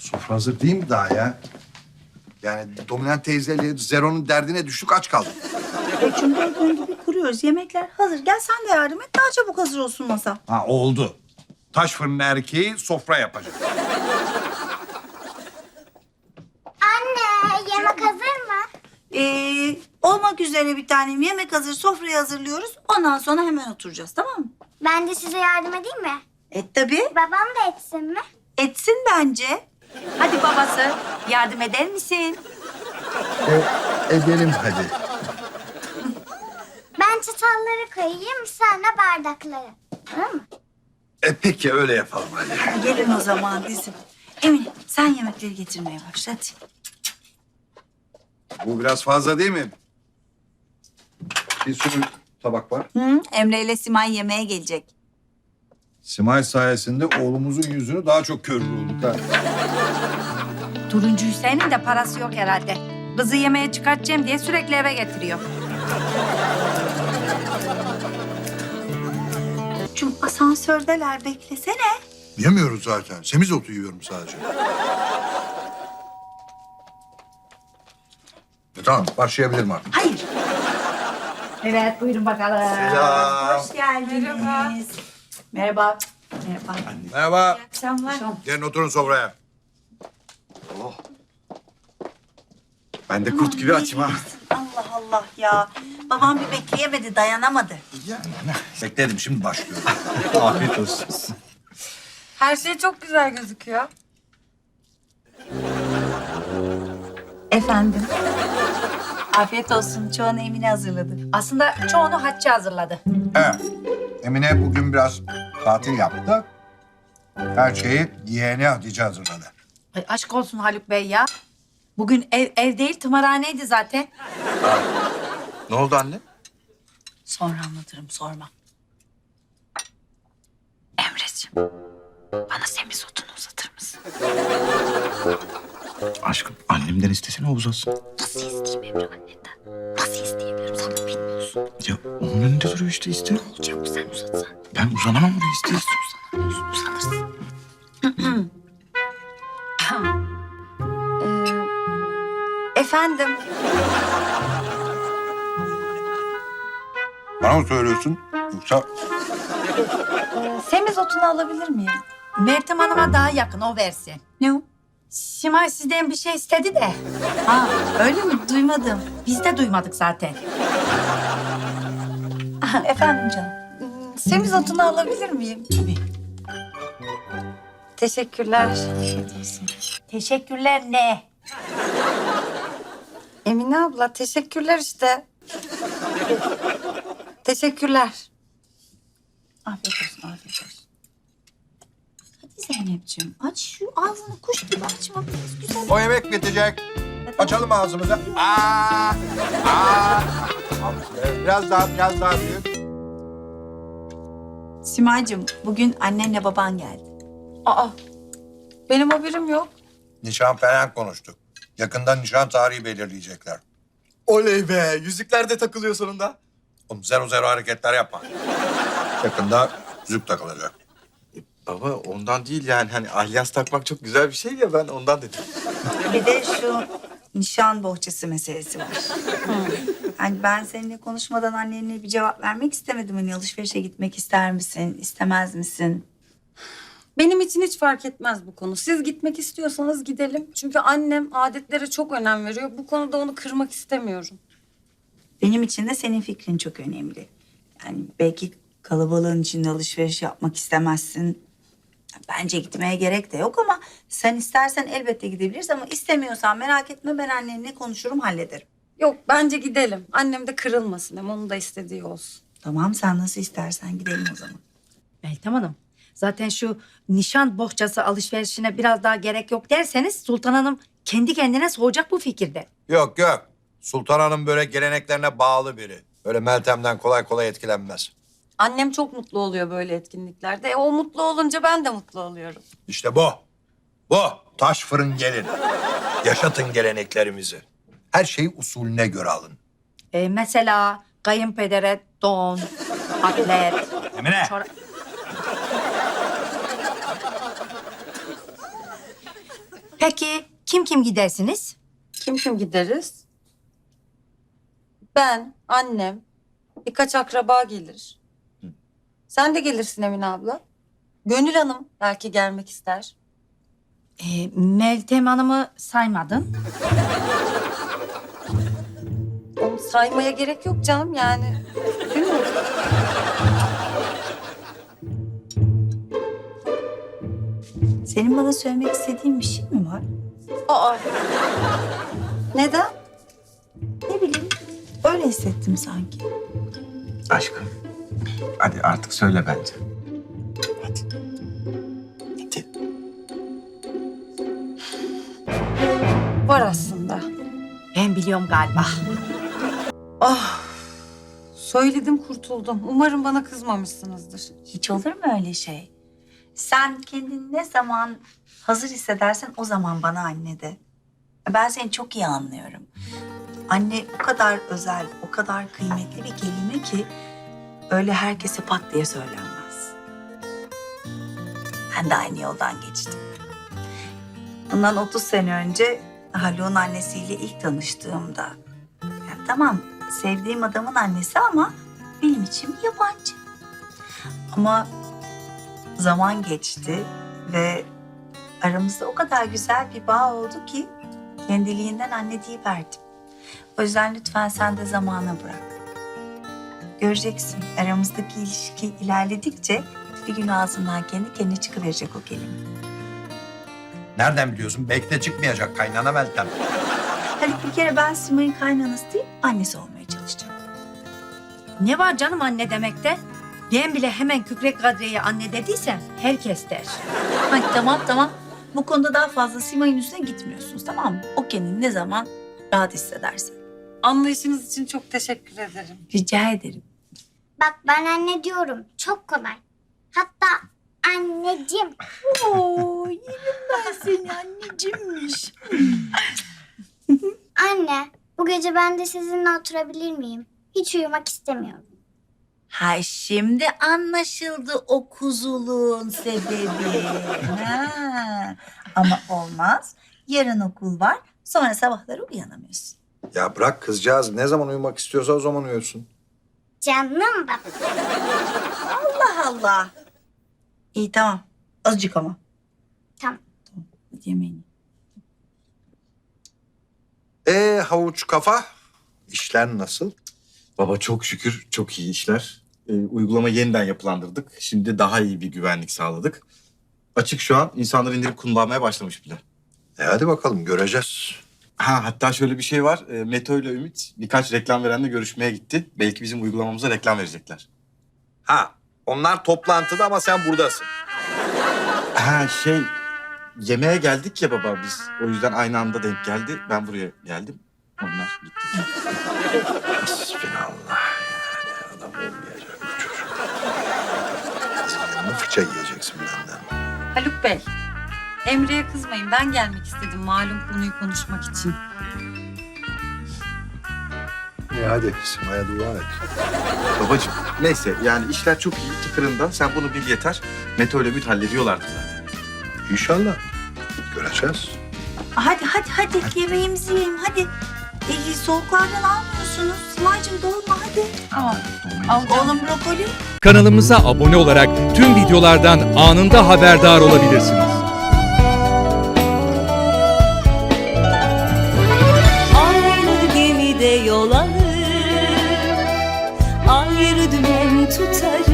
Sofra hazır değil mi daha ya? Yani Dominant teyzeyle Zero'nun derdine düştük, aç kaldık. Cumhur gün gibi kuruyoruz. Yemekler hazır. Gel sen de yardım et. Daha çabuk hazır olsun masa. Ha, oldu. Taş fırın erkeği sofra yapacak. Anne, yemek hazır mı? Olmak üzere bir tanem. Yemek hazır. Sofrayı hazırlıyoruz. Ondan sonra hemen oturacağız. Tamam mı? Ben de size yardım edeyim mi? Tabii. Babam da etsin mi? Etsin bence. Hadi babası. Yardım eder misin? Edelim hadi. Ben çatalları koyayım, sen de bardakları. Tamam mı? Peki öyle yapalım hadi. Gelin o zaman bizim. Emine sen yemekleri getirmeye başla hadi. Bu biraz fazla değil mi? Bir sürü tabak var. Hı, Emre ile Simay yemeğe gelecek. Simay sayesinde oğlumuzun yüzünü daha çok körür olduk ha. Turuncu Hüseyin'in de parası yok herhalde. Kızı yemeğe çıkartacağım diye sürekli eve getiriyor. Cum asansördeler beklesene. Yemiyoruz zaten. Semizotu yiyorum sadece. Tamam, başlayabilirim artık. Hayır. Evet buyurun bakalım. Hoş geldiniz. Merhaba. Merhaba. Merhaba. Akşamlar. Gelin oturun sofraya. Oh. Ben de kurt gibi açım ha. Allah Allah ya. Babam bir bekleyemedi, dayanamadı. Bekledim, şimdi başlıyorum. Afiyet olsun. Her şey çok güzel gözüküyor. Efendim. Afiyet olsun. Çoğunu Emine hazırladı. Aslında çoğunu Hatice hazırladı. Evet. Emine bugün biraz tatil yaptı. Her şeyi yeğeni Hatice hazırladı. Ay aşk olsun Haluk Bey ya. Bugün ev değil tımarhaneydi zaten. Ne oldu anne? Sonra anlatırım, sorma. Emreciğim, bana semizotunu uzatır mısın? Aşkım annemden istesene o uzatsın. Nasıl isteyeyim Emre annenden? Nasıl isteyebilirim, sen de bilmiyorsun. Ya onun önünde duruyor işte iste. Olacak mı sen uzatsan? Ben uzanamam oraya iste. Uzanırsın. Efendim. Bana mı söylüyorsun? Yoksa Semizotunu alabilir miyim? Meltem Hanım'a daha yakın o versin. Ne o? Simay sizden bir şey istedi de. Ha, öyle mi? Duymadım. Biz de duymadık zaten. Efendim canım. Semizotunu alabilir miyim? Tabii. Teşekkürler. Teşekkürler ne? Emine abla teşekkürler işte. Teşekkürler. Afiyet olsun, afiyet olsun. Hadi Zeynep'ciğim, aç şu ağzını, kuş gibi açma. Biraz güzel. o yemek bitecek. Açalım ağzımızı. Aa! Biraz daha büyük. Simay'cığım, bugün annenle baban geldi. Aa, benim haberim yok. Nişan falan konuştuk. Yakında nişan tarihi belirleyecekler. Oley be yüzükler de takılıyor sonunda. Oğlum zero hareketler yapma. Yakında yüzük takılacak. Baba ondan değil yani hani alyans takmak çok güzel bir şey ya ben ondan dedim. Bir de şu nişan bohçası meselesi var. Yani ben seninle konuşmadan annenle bir cevap vermek istemedim. Hani alışverişe gitmek ister misin, istemez misin? Benim için hiç fark etmez bu konu. Siz gitmek istiyorsanız gidelim. Çünkü annem adetlere çok önem veriyor. Bu konuda onu kırmak istemiyorum. Benim için de senin fikrin çok önemli. Yani belki kalabalığın içinde alışveriş yapmak istemezsin. Bence gitmeye gerek de yok ama sen istersen elbette gidebiliriz ama istemiyorsan merak etme, ben annenle konuşurum, hallederim. Yok bence gidelim. Annem de kırılmasın. Hem onun da istediği olsun. Tamam, sen nasıl istersen gidelim o zaman. Meltem Hanım, zaten şu nişan bohçası alışverişine biraz daha gerek yok derseniz Sultan Hanım kendi kendine soğuyacak bu fikirde. Yok. Sultan Hanım böyle geleneklerine bağlı biri. Böyle Meltem'den kolay kolay etkilenmez. Annem çok mutlu oluyor böyle etkinliklerde. O mutlu olunca ben de mutlu oluyorum. İşte bu. Bu. Taş fırın gelin. Yaşatın geleneklerimizi. Her şeyi usulüne göre alın. Mesela kayınpedere don, atlet, Emine. Peki kim kim gidersiniz? Kim kim gideriz? Ben, annem, birkaç akraba gelir. Sen de gelirsin Emine abla. Gönül Hanım belki gelmek ister. Meltem Hanım'ı saymadın. Onu saymaya gerek yok canım yani. Değil mi? Senin bana söylemek istediğin bir şey mi var? Aa. Neden? Ne bileyim. Öyle hissettim sanki. Aşkım. Hadi artık söyle bence. Hadi. Hadi. Var aslında. Ben biliyorum galiba. Ah. Söyledim kurtuldum. Umarım bana kızmamışsınızdır. Hiç olur mu öyle şey? Sen kendini ne zaman hazır hissedersen o zaman bana anne de. Ben seni çok iyi anlıyorum. Anne o kadar özel, o kadar kıymetli bir kelime ki öyle herkese pat diye söylenmez. Ben de aynı yoldan geçtim. Bundan 30 sene önce Haluk'un annesiyle ilk tanıştığımda... Ya tamam, sevdiğim adamın annesi ama benim için bir yabancı. Ama zaman geçti ve aramızda o kadar güzel bir bağ oldu ki kendiliğinden anne deyiverdim. O yüzden lütfen sen de zamana bırak. Göreceksin aramızdaki ilişki ilerledikçe bir gün ağzından kendi kendine çıkıverecek o kelime. Nereden biliyorsun? Belki de çıkmayacak kaynana Meltem. Hadi bir kere ben Simay'ın kaynanası değil, annesi olmaya çalışacağım. Ne var canım anne demekte? Ben bile hemen Kükrek Kadriye'ye anne dediysem herkes der. Hadi tamam. Bu konuda daha fazla Simay'ın üstüne gitmiyorsunuz, tamam mı? O kendini ne zaman rahat hissederse. Anlayışınız için çok teşekkür ederim. Rica ederim. Bak ben anne diyorum. Çok kolay. Hatta anneciğim. Oo, yerim ben seni annecimmiş. Anne, bu gece ben de sizinle oturabilir miyim? Hiç uyumak istemiyorum. Ha şimdi anlaşıldı o kuzuluğun sebebi. Ha. Ama olmaz. Yarın okul var. Sonra sabahları uyanamıyorsun. Ya bırak kızcağız ne zaman uyumak istiyorsa o zaman uyuyorsun. Canım baba. Allah Allah. İyi tamam. Azıcık ama. Tamam. Hadi yemeğini. Havuç kafa. İşler nasıl? Baba çok şükür çok iyi işler. Uygulama yeniden yapılandırdık. Şimdi daha iyi bir güvenlik sağladık. Açık şu an. İnsanlar indirip kullanmaya başlamış bile. Hadi bakalım göreceğiz. Ha, hatta şöyle bir şey var. Meto ile Ümit birkaç reklam verenle görüşmeye gitti. Belki bizim uygulamamıza reklam verecekler. Ha onlar toplantıda ama sen buradasın. Ha yemeğe geldik ya baba biz. O yüzden aynı anda denk geldi. Ben buraya geldim. Onlar gitti. Bismillah yani adam olmayacak bu çocuk. Sen fıça yiyeceksin benden. Haluk Bey, Emre'ye kızmayın. Ben gelmek istedim malum konuyu konuşmak için. İyi hadi Sima'ya dua et. Babacığım neyse yani işler çok iyi tıkırında. Sen bunu bil yeter. Meto ile Ümit hallediyorlardı zaten. İnşallah. Göreceğiz. Hadi yemeğimizi yiyelim hadi. Soğuklardan almıyorsunuz. Simay'cığım dolma hadi. Tamam. Alacağım. Oğlum brokoli. Kanalımıza abone olarak tüm videolardan anında haberdar olabilirsiniz. Aynı gemide yol alır, ayrı dümen tutarız.